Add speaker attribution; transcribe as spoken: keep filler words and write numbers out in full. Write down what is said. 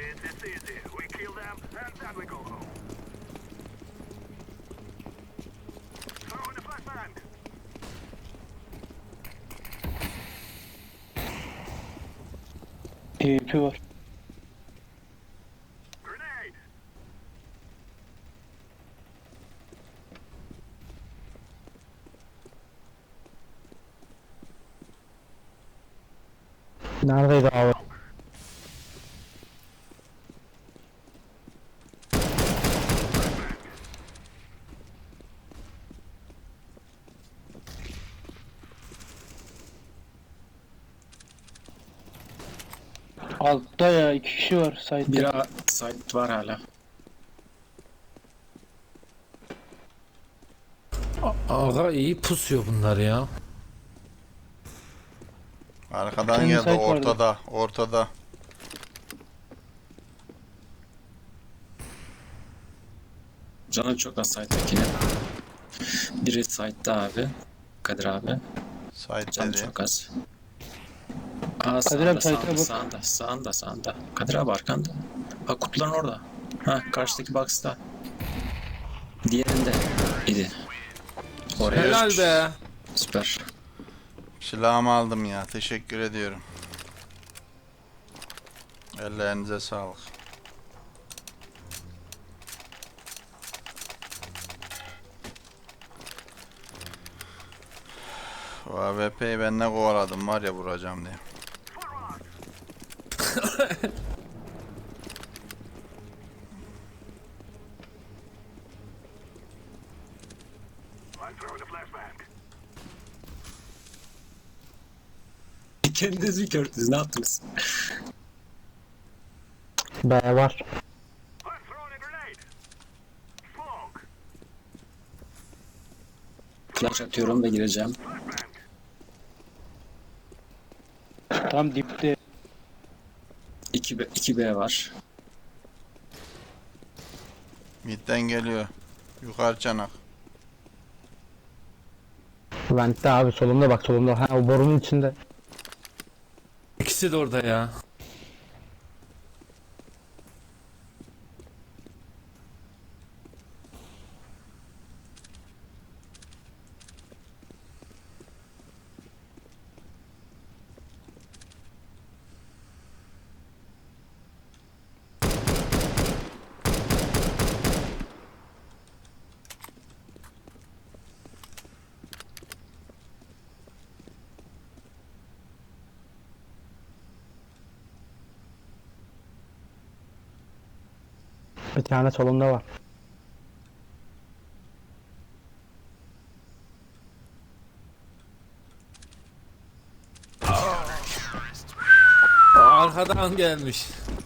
Speaker 1: E P var.
Speaker 2: Neredeydi abi?
Speaker 1: Altta ya iki kişi var site'de.
Speaker 3: Bir A site var hala.
Speaker 4: Aga iyi pusuyor bunlar ya.
Speaker 5: Arkadan
Speaker 1: Kendi
Speaker 5: geldi
Speaker 1: site vardı.
Speaker 5: ortada. Ortada.
Speaker 3: Canı çok az site'dekine. Biri site'da abi. Kadir abi.
Speaker 5: Site
Speaker 3: Canı
Speaker 5: dedi.
Speaker 3: çok az. Aa
Speaker 1: Kadir abi
Speaker 3: sağında
Speaker 1: site'e
Speaker 3: sağında,
Speaker 1: bak.
Speaker 3: sağında sağında sağında. Kadir abi arkanda. Bak kutuların orada. Ha karşıdaki box'ta. Diğerinde idi. Oraya
Speaker 4: Helal be.
Speaker 3: süper.
Speaker 5: Silahımı aldım ya. Teşekkür ediyorum. Ellerinize sağlık. O A W P'yi ben ne kovaladım var ya vuracağım diye.
Speaker 3: Kendiniz mi gördünüz? Ne yaptınız?
Speaker 2: B var.
Speaker 3: Flash atıyorum da gireceğim.
Speaker 1: Tam dipte.
Speaker 3: iki B, iki B var.
Speaker 5: Midden geliyor. Yukarı çanak.
Speaker 2: Vent'te abi solumda bak solumda. Ha o borunun içinde.
Speaker 4: İkisi de orada ya.
Speaker 2: Bir tane solumda var.
Speaker 4: Arkadan gelmiş.